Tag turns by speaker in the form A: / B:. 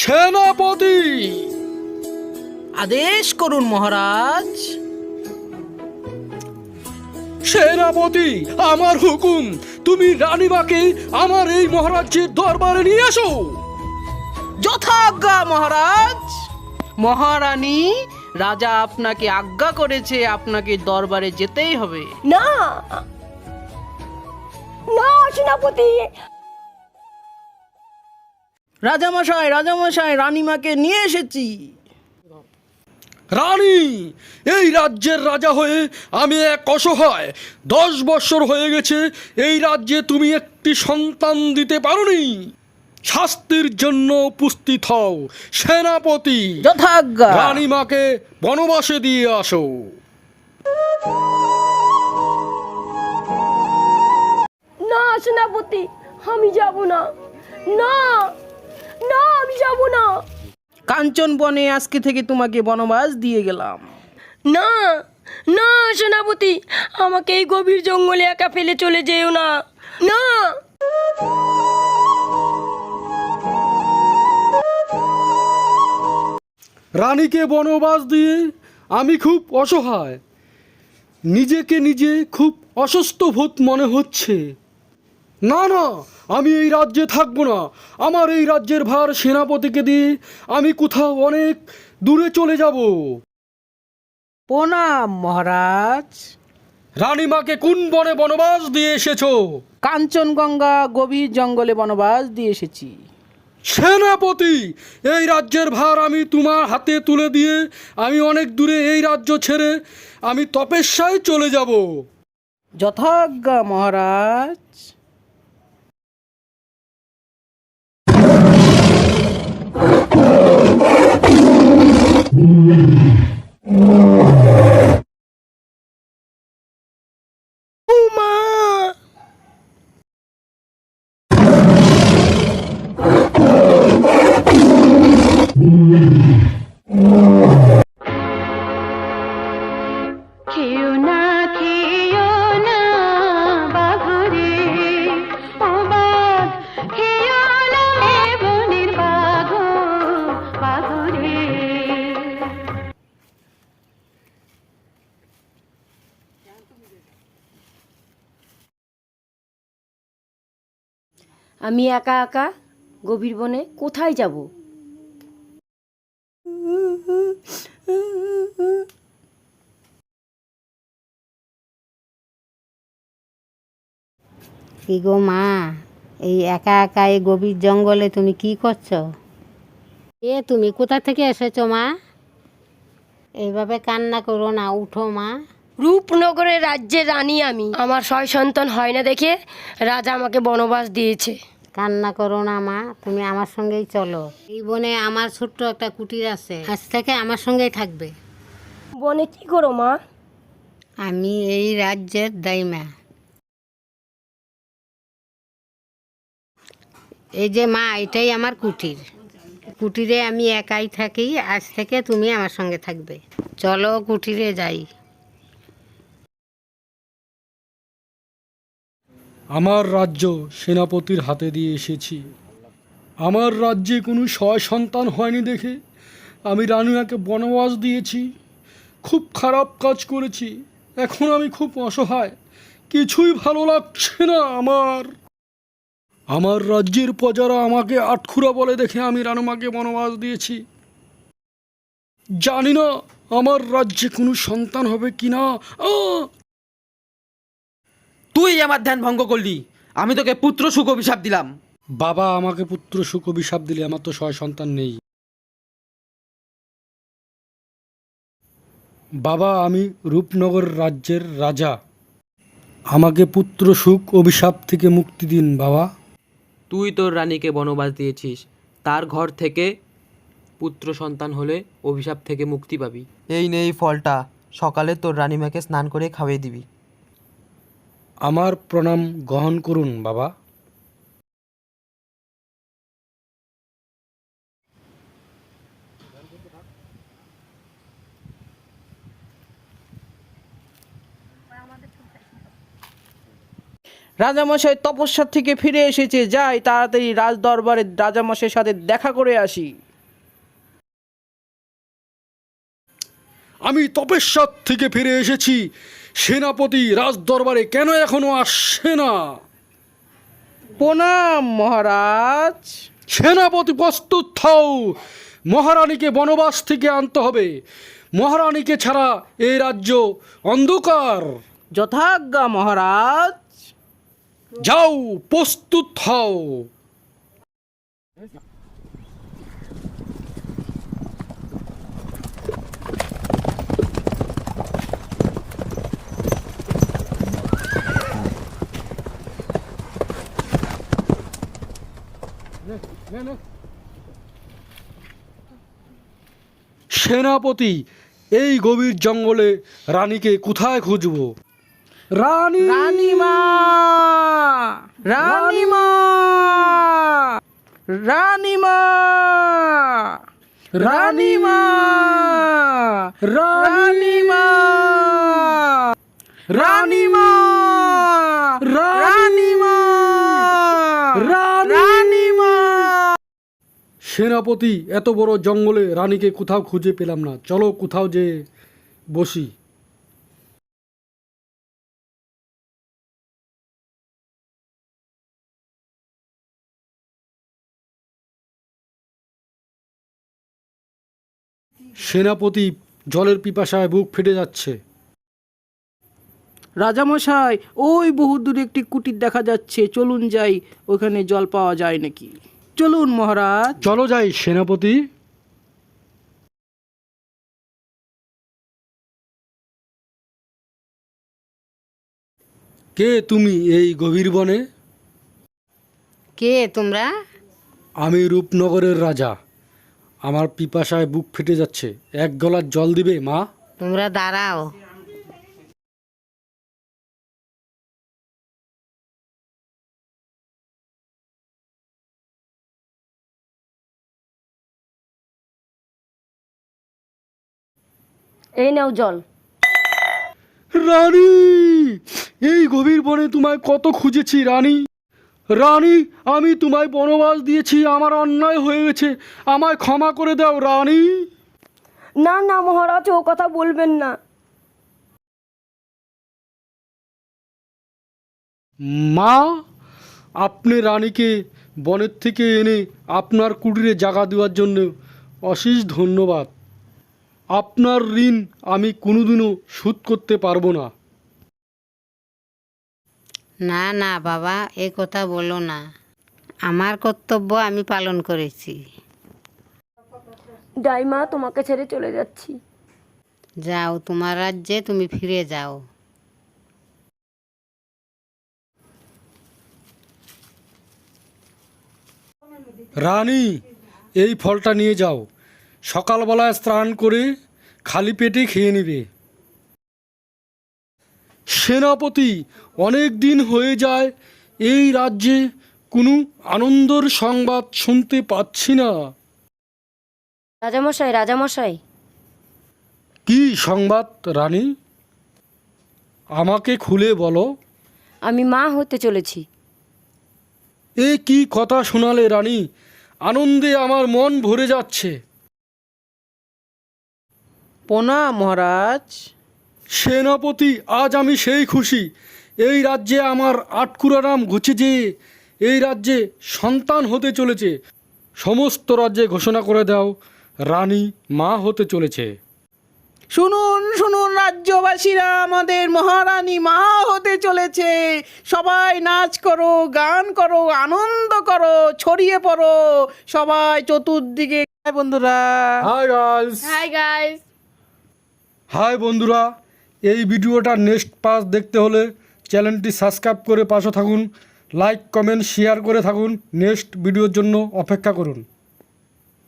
A: সেনাপতি,
B: আদেশ করুন মহারাজ।
A: সেনাপতি, আমার হুকুম, তুমি রানীমাকে আমার এই মহারাজ্যের দরবারে নিয়ে আসো।
B: যথাজ্ঞা মহারাজ। মহারানী, রাজা আপনাকে আজ্ঞা করেছে, আপনাকে দরবারে যেতেই হবে।
C: না না সেনাপতি,
B: রাজামশাই, রাজামশাই, রানীমাকে নিয়ে এসেছি।
A: রানী, এই রাজ্যের রাজা হয়ে আমি এক অসহায়। 10 বছর হয়ে গেছে এই রাজ্যে তুমি একটি সন্তান দিতে পারোনি। শাস্তির জন্য উপস্থিত হও। সেনাপতি,
B: যথাজ্ঞা।
A: রানীমাকে বনবাসে দিয়ে আসো।
C: না সেনাপতি, আমি যাব না। না না, আমি যাব না।
B: কাঞ্চন বনে আজকে থেকে তোমাকে বনবাস দিয়ে গেলাম।
C: না না সেনাপতি, আমাকে এই গভীর জঙ্গলে একা ফেলে চলে যেও না। না
A: রানীকে বনবাস দিয়ে আমি খুব অসহায়। নিজেকে নিজে খুব অসুস্থ বোধ মনে হচ্ছে। না না, আমি এই রাজ্যে থাকবো না। আমার এই রাজ্যের ভার সেনাপতিকে দিয়ে আমি কোথাও অনেক দূরে চলে যাব।
B: প্রণাম মহারাজ।
A: রানীমাকে কোন বনে বনবাস দিয়ে এসেছো?
B: কাঞ্চনগঙ্গা গভীর জঙ্গলে বনবাস দিয়ে এসেছি।
A: সেনাপতি, এই রাজ্যের ভার আমি তোমার হাতে তুলে দিয়ে আমি অনেক দূরে এই রাজ্য ছেড়ে আমি তপস্যায় চলে যাব।
B: যথাজ্ঞা মহারাজ।
C: উমা,
D: খেও না বাঘরে, ও বাঘ খেও না, বনের বাঘরে।
C: আমি একা একা গভীর বনে কোথায় যাব?
E: কি গো মা, এই একা একা এই গভীর জঙ্গলে তুমি কি করছো? তুমি কোথা থেকে এসেছো মা? এইভাবে কান্না করো না, উঠো মা।
C: রূপনগরের রাজ্যের রানী আমি। আমার 6 সন্তান হয় না দেখে রাজা আমাকে বনবাস দিয়েছে।
E: কান্না করো না মা, তুমি আমার সঙ্গেই চলো। এই বনে আমার ছোট্ট একটা কুটির আছে, আজ থেকে আমার সঙ্গেই থাকবে।
C: বনে কি করো মা?
E: আমি এই রাজ্যের দাইমা। এই যে মা, এটাই আমার কুটির। কুটিরে আমি একাই থাকি, আজ থেকে তুমি আমার সঙ্গে থাকবে। চলো কুটিরে যাই।
A: আমার রাজ্য সেনাপতির হাতে দিয়ে এসেছি। আমার রাজ্যে কোনো সন্তান হয়নি দেখে আমি রানীমাকে বনবাস দিয়েছি। খুব খারাপ কাজ করেছি। এখন আমি খুব অসহায়, কিছুই ভালো লাগছে না আমার রাজ্যের প্রজারা আমাকে আটখুরা বলে দেখে আমি রানীমাকে বনবাস দিয়েছি। জানি না আমার রাজ্যে কোনো সন্তান হবে কিনা।
F: তুই আমার ধ্যান ভঙ্গ করলি। আমি তোকে পুত্র সুখ অভিশাপ দিলাম।
A: বাবা আমাকে পুত্র সুখ অভিশাপ দিলে, আমার তো সন্তান নেই। বাবা, আমি রূপনগর রাজ্যের রাজা। আমাকে পুত্র সুখ অভিশাপ থেকে মুক্তি দিন বাবা।
F: তুই তোর রানীকে বনবাস দিয়েছিস, তার ঘর থেকে পুত্র সন্তান হলে অভিশাপ থেকে মুক্তি পাবি। এই নে এই ফলটা, সকালে তোর রানীমাকে স্নান করে খাইয়ে দিবি।
A: আমার প্রণাম গ্রহণ করুন বাবা।
B: রাজামশাই তপস্যা থেকে ফিরে এসেছে, যাই তাড়াতাড়ি রাজ দরবারে রাজামশাইয়ের সাথে দেখা করে আসি।
A: আমি তপস্যার থেকে ফিরে এসেছি। সেনাপতি রাজদরবারে কেন এখনো আসছে না?
B: প্রণাম মহারাজ।
A: সেনাপতি প্রস্তুত হও, মহারানীকে বনবাস থেকে আনতে হবে। মহারানীকে ছাড়া এই রাজ্য অন্ধকার।
B: যথাজ্ঞা মহারাজ।
A: যাও, প্রস্তুত হও। সেনাপতি, এই গভীর জঙ্গলে রানীকে কোথায় খুঁজবো? রানী,
B: রানীমা, রানীমা, রানীমা, রানীমা, রানীমা, রানীমা, রানীমা, রানীমা।
A: সেনাপতি, এত বড় জঙ্গলে রানীকে কোথাও খুঁজে পেলাম না। চলো কোথাও যে বসি। সেনাপতি, জলের পিপাসায় বুক ফেটে যাচ্ছে।
B: রাজামশাই, ওই বহু দূরে একটি কুটির দেখা যাচ্ছে, চলুন যাই, ওখানে জল পাওয়া যায় নাকি। চলুন মহারাজ।
A: চলো যাই সেনাপতি। কে তুমি এই গভীর বনে?
E: কে তোমরা?
A: আমি রূপনগরের রাজা। আমার পিপাসায় বুক ফেটে যাচ্ছে, এক গলার জল দিবে মা?
E: তোমরা দাঁড়াও।
C: এই নাও জল।
A: রানী, এই গভীর বনে তোমায় কত খুঁজেছি রানী। রানী, আমি তোমায় বনবাস দিয়েছি, আমার অন্যায় হয়ে গেছে, আমায় ক্ষমা করে দাও রানী।
C: না না মহারাজ, ও কথা বলবেন না।
A: মা, আপনি রানীকে বনের থেকে এনে আপনার কুটিরে জায়গা দেওয়ার জন্য অশেষ ধন্যবাদ। আপনার ঋণ আমি কোনোদিনও শোধ করতে পারবো না।
E: না না বাবা, এ কথা বলো না। আমার কর্তব্য আমি পালন করেছি।
C: ডাইমা, তোমাকে ছেড়ে চলে যাচ্ছি।
E: যাও, তোমার রাজ্যে তুমি ফিরে যাও।
A: রানী, এই ফলটা নিয়ে যাও, সকালবেলায় স্নান করে খালি পেটে খেয়ে নেবে। সেনাপতি, অনেক দিন হয়ে যায় এই রাজ্যে কোনো আনন্দের সংবাদ শুনতে পাচ্ছি না।
C: রাজামশাই, রাজামশাই,
A: কি সংবাদ রানী? আমাকে খুলে বলো।
C: আমি মা হতে চলেছি।
A: এ কি কথা শোনালে রানী? আনন্দে আমার মন ভরে যাচ্ছে।
B: প্রণাম মহারাজ।
A: সেনাপতি, আজ আমি সেই খুশি। এই রাজ্যে আমার আটকুরা নাম ঘুচে যে এই রাজ্যে সন্তান হতে চলেছে। সমস্ত রাজ্যে ঘোষণা করে দাও, রানী মা হতে চলেছে।
B: শুনুন শুনুন রাজ্যবাসীরা, আমাদের মহারানী মা হতে চলেছে। সবাই নাচ করো, গান করো, আনন্দ করো, ছড়িয়ে পড়ো সবাই চতুর্দিকে। বন্ধুরা,
A: hi guys.
C: Hi guys.
A: Hi বন্ধুরা, এই ভিডিওটার নেক্সট পার্ট দেখতে হলে চ্যানেলটি সাবস্ক্রাইব করে পাশে থাকুন, লাইক কমেন্ট শেয়ার করে থাকুন, নেক্সট ভিডিওর জন্য অপেক্ষা করুন।